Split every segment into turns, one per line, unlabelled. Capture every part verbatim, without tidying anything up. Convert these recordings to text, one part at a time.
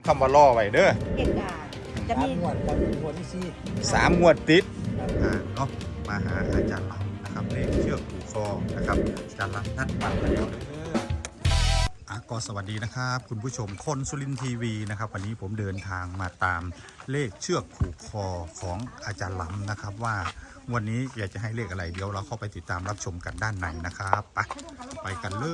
คำว่าล่อไว้เด้อ
เหตุการณ์จะมี
งวดกับงวดที่สี่
สามงวดติดอ่าเนาะมาหาอาจารย์ลำนะครับเลขเชือกผูกคอนะครับอาจารย์ลำนัดวันแล้วเด้ออ่ะก็สวัสดีนะครับคุณผู้ชมคนสุรินทร์ทีวีนะครับวันนี้ผมเดินทางมาตามเลขเชือกผูกคอของอาจารย์ลำนะครับว่าวันนี้อยากจะให้เลขอะไรเดี๋ยวเราเข้าไปติดตามรับชมกันด้านในนะครับไปไปกันเลย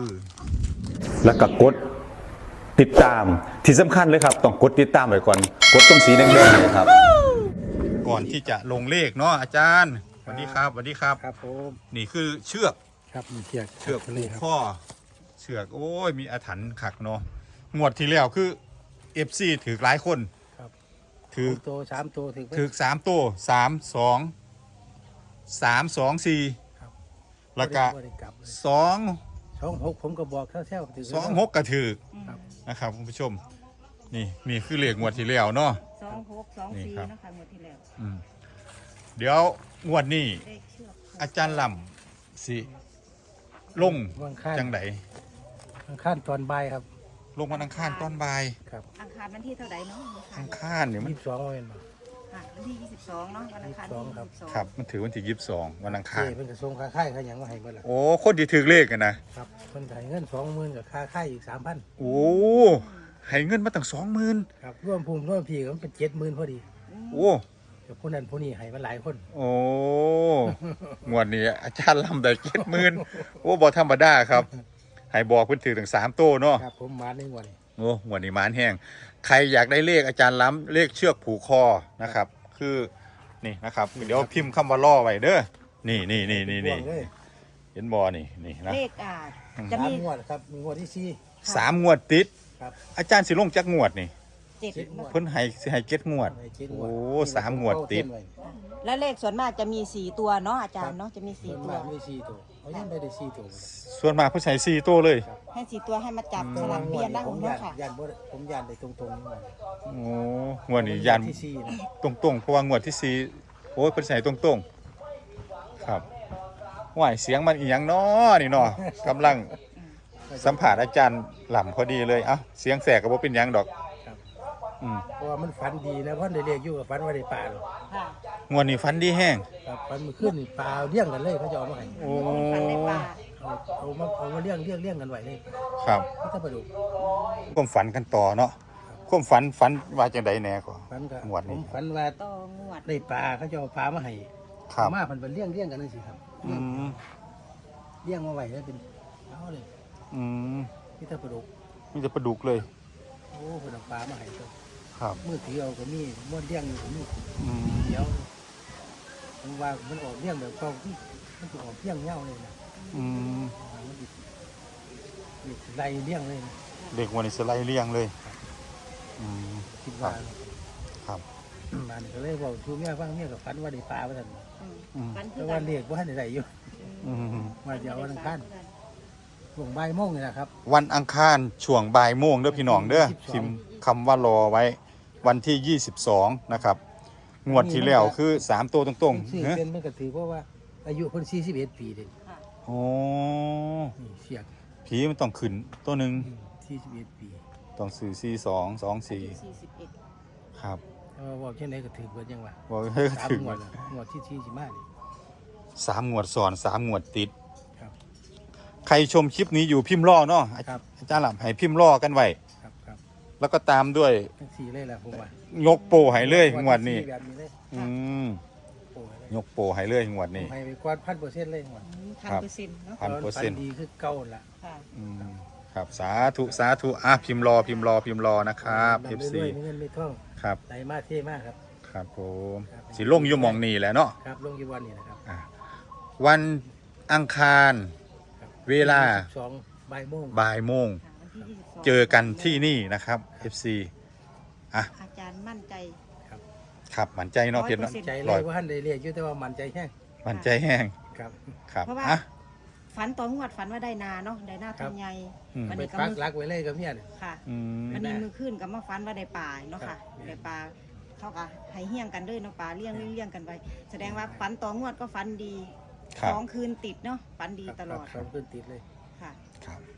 แล้วก็กดติดตามที่สำคัญเลยครับต้องกดติดตามไว้ก่อนกดตรงสีแดงๆเลยครับ
ก่อนที่จะลงเลขเนาะอาจารย์สวัสดีครับสวัสดีครับ
ครับผม
นี่คือเชือก
ครับมีเชือก
เชือก
เล
ผู
ย
ก
ครับ
ข้อเชือกโอ้ยมีอาถรรพ์ขักเนาะงวดที่แล้วคือเอฟซีถือหลายคน
ครับ
ถือ
โตสามโตถึง
ถือสามตัวสามสองสามสองสี่
ครับ
แล้วก็
บ่ได้กลับเลย
สอง
สองหกผมก็บอกแถวๆถึง
สองหกกระถือ
ครับ
นะครับคุณผู้ชมนี่นี่คือเลขงวดที่แล้วเนาะ
สองหกสอง
นี่
สี่
ครับ
นะคะงวดที่แล้ว
อืมเดี๋ยวงวดนี้
เลขเชือกผูก
อาจารย์ลำสิลง
วันข้าน
จังได
วันข้านตอนบ่ายครับ
ลงวันอังคารตอนบ่าย
ครับ
อังคารวันที่เท่าไหร่เนาะ
อังคารเนี่ยมัน
ยี่สิบสองวันมา
ค่ะวันที่ยี่สิบสองเนาะวันอังคารที่
ยี่สิบสองครับ
ยี่สิบสอง
ครับมันถือวันที่ยี่สิบสองวันอัง
เจ
คาร
เป็นกระทรวงค้าค่ายเขาหยังมาให้เมื่อไหร่
โอ้คนที่ถือเลขกันนะครับ
เพิ่นให้เงินสองหมื่นกับค่าค่ายอีกสามพัน
โอ้ให้เงินมาตั้งสองหมื่น
ครับร่วมภูมิร่วมพีก็มันเป็นเจ็ดหมื่นพอดี
โอ้
แต่ผู้นั้นผู้นี้ให้มาหลายคน
โอ้งวดนี้อาจารย์ลำได้เจ็ดหมื่นโอ้บอธรรมดาครับให้บอกเพิ่นถือถึงสามโต้เนาะ
ครับผมมาในงวดนี้
โอ้งวดนี้มานแห้งใครอยากได้เลขอาจารย์ล้ำเลขเชือกผูกคอนะครับ คือนี่นะครับเดี๋ยวพิมพ์คำว่าล่อไว้เด้อนี่นี่นี่นี่นี่
พ่วงเลย
เห็นบอนี่นี่นะ
เลขอ่าจะ
สาม
มี
งวดครับมีงวดที่สี่
สามงวดติด
ครับ
อาจารย์สิลงจักงวดนี่
เจ็ด
เจ็ดงวด
เพิ่นให้สิให้เจ็ดงวด
ให้เจ็ดงวด
โอ้สามงวดติด
และเลขส่วนมากจะมีสี่ตัวเนาะอาจารย์เนาะจะมีสี่
ส่วน
ตัว
มากมีสี่ตัวเขายังได้ได้สี่ตัว
ส่วนมากเพิ่นใช้สี่ตัวเลย
ให้สี่ตัวให้มาจับสลับเปลี่ยนได้
ผม
เนาะ
ยาน
ค่ะ
ยานบ่ผมยานได้ตรงๆนี่ว่า
โอ้งวดนี้ยัน
ที่สี่นะ
ตรงๆเพราะว่างวดที่สี่โอ้ยเพิ่นใส่ตรงๆครับว่ายเสียงมันอีหยังน้อนี่เนาะกำลังสัมผัสอาจารย์หล่ำพอดีเลยเอ้าเสียงแสกก็บ่เป็นหยังดอก
ครับ
อืม
เพราะว่ามันฝันดีนะเพราะได้เรียกอยู่กับฝันว่าได้ปลาหรอก
ค่ะ
งวดนี้ฟันดีแห้ง
ครับฝันเมื่อคืนนี่ปลาเลี้ยงกันเลยเขาจะเอามาให้
โอ้
ฟันในป่า
เอาเอามาเอามาเลี้ยงเลี้ยงเลี้ยงกันไว้เลย
ครับ
นี่ถ้าปลาดุก
ความฝันกันต่อเนาะความฝันฝันว่าจังไดแหน่ก็
ฝันก็
งวด
ผ
นี้
มฝันว่า
ต่องวด
ได้ปลาเขาจะเอาปลามาให้
ครับ
เอามาเพันเป็นเลี้ยงเลี้ยงกันนั่นสิครับ
อืม
เลี้ยงมาไว้แล้วเป็นเอาเลย
อืม
นี่ถ้าปลาดุก
มีแต่ปลาดุกเลย
โอ้เพิ่นเอาปลามาให้ตัว
ครับ
มือถือเอาก็มีม้วนเลี้ยงอยู่ก็มี
อืม
เดี๋ยวมันว่ามันออกเลี้ยงแบบเก่าที่มันจะออกเลี้ยงเง่าเลยนะ
อืม
มันสิสิไล่เลี้ยงเลยนะ
เด็กวันนี้สไลด์เลี้ยงเลยอืม
คิดว่า
ครับ
มันก็เลยบอกชูเมียฟังเมียกับฝันว่าได้ปลาว่าท่าน
อืม
อืม
ฟันคื
แต่
อ
ว่า
กัน
เรียกว่าได้อยู่
อืม
ว่าจะเอาวันอังคารช่วงบ่ายโมงนี่นะครับ
วันอังคารช่วงบ่ายโมงเด้อพี่น้องเด้อ
ยี่สิบสอง
พิมพ์คำว่ารอไว้วันที่ยี่สิบสองนะครับงวดที่แล้วคือสามตัวตรง
ชื่อ
ๆเนอะ
เป็นมันก็ถือเพราะว่าอายุคนสี่สิบเอ็ดปีเด็ก
ค่ะ
โอ้
นี่เสียก
ผีมันต้องขึ้นตัวหนึ่ง
สี่สิบเอ็ดปี
ต้องสื่อสี่สองสองสี่
สี่สิบเอ็ด
ครับ
แต่ว่าบอกเช่นไหนก็ถือเบิดยังว่า
บอกเฮ้ย
สาม
ถึง
งวดละงวดที่สี่สิบห้านี่
สามงวดซ้อนสามงวดติด
ครับ
ใครชมคลิปนี้อยู่พิมพ์รอเนาะ
ครับ
อาจารย์หลับให้พิมพ์รอกันไว้
ครับครับ
แล้วก็ตามด้วย
ทั้งสี่เลยแหละผมว่าย
กโปรให้เลยงวดนี้
ที่สี่แบบนี้เลย
อืม
โอ้ยเลย
ยกโปรให้เลยงวด
ผม
นี้
ให้ไปกว่าพันเปอร์เซ็นต์เลยงวด
พันเปอร์เซ็นต์เนาะ
พันเปอร์เซ็นต์
ดีคือเก่าละ
ค่ะ
อืมครับสาธุสาธุอ่ะพิมพ์รอพิมพ์รอพิมพ์รอนะครับ
ดำ
เอฟ
เรื่
ซี
อยๆมีเงินมีทอง
ครับ
ไหลมาเท่มากครับ
ครับผม
ครับ
สิลงอยู่หมองนี่แหละเนาะ
ครับลงกี่วันนี่นะครับ
อ่ะวันอังคาร
ครับ
เวลา
สองบ่ายโมง
บ่ายโมง
วันที่ยี่สิบสอง
เจอกันที่นี่นะครับ เอฟ ซี อ่ะ
อาจารย์มั่นใจ
ครับมั่นใจเนาะเพียรเนาะ
ร้อยเปอร์เซ็นต์
ใจเล
ร้อย
ยว่าท่านได้เรียกอยู่แต่ว่ามันใจแห้ง
มั่นใจแห้ง
ครับ
ครับ
เพราะว่า
อ่ะ
ฝันต่องวดฝันว่าได้นาเนาะได้นา
ครั
ทั
บ
นใหญ่
อืม
วัน
ไป
นี้ก็
ปัก
มือ
หลักไว้เลยกับเนี่ยเนี่ย
ค่ะ
อืม
วันนี้มือขึ้นกับมาฝันว่าได้ป่าเนาะ
ครั
ค่ะ
บ
ได้ป่าเขาก็ให้เฮี้ยงกันด้วยเนาะป่าเลี้ยงเลี้ยงเลี้ยงกันไปแสดงว่าฝันต่องวดก็ฝันดี
ครับ
สองคืนติดเนาะฝันดีตลอด
ครับสองขึ้นติดเลย
ค่ะ
ครับ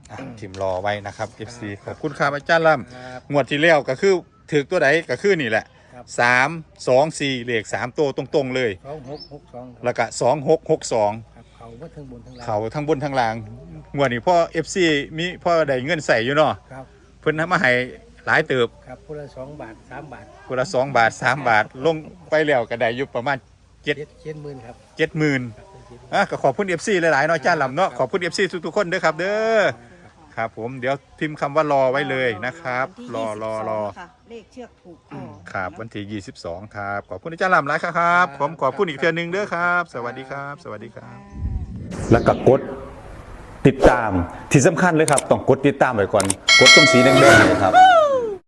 อ่ะพิมพ์รอไว้นะครับ เอฟ ซี ขอบคุณครับอาจารย์ล่
ครับ
ำงวดที่แล้วก็คือถือตัวไหนก็คือนี่แหละ
ครับ
สามสองสี่เลขสามตัวตรงๆเลย
สองหกหกสองครับ
แล้วก็สองหกหกสอง
ครับเขาว่าทั้งบนทั้งล่าง
เขาทั้งบนทั้งล่างงวดนี้พ่อ เอฟ ซี มีพ่อได้เงินใส่อยู่เนาะ
ครับ
เพิ่นทำมาให้หลายเติบ
ครับคนละสองบาทสามบาท
คนละสองบาทสามบาทลงไปแล้วก็ได้อยู่ประมาณ เจ็ด
เจ็ดเจ็ดหมื่นครับ
เจ็ดหมื่น
ครับเป็นเจ็ดหมื่น
อ่ะก็ขอบคุณ เอฟ ซี หลายๆเนาะอาจารย์ลำเนาะขอบคุณ เอฟ ซี ทุกๆคนเด้อครับเด้อครับผมเดี๋ยวพิมพ์คำว่ารอไว้เลยนะครับ
วันที่
รอรอรอ
ยี่สิบสงค่ะเลขเชือกผูกคอ
ครับวันที่ยี่สิบสองครับขอบคุณอาจารย์ลำหลายครับผมขอบคุณอีกเทื่อนึงเด้อครับ สวัสดีครับ สวัสดีครับ
แล้วก็กดติดตามที่สำคัญเลยครับ ต้องกดติดตามไว้ก่อน กดตรงสีแดงๆเลยครับ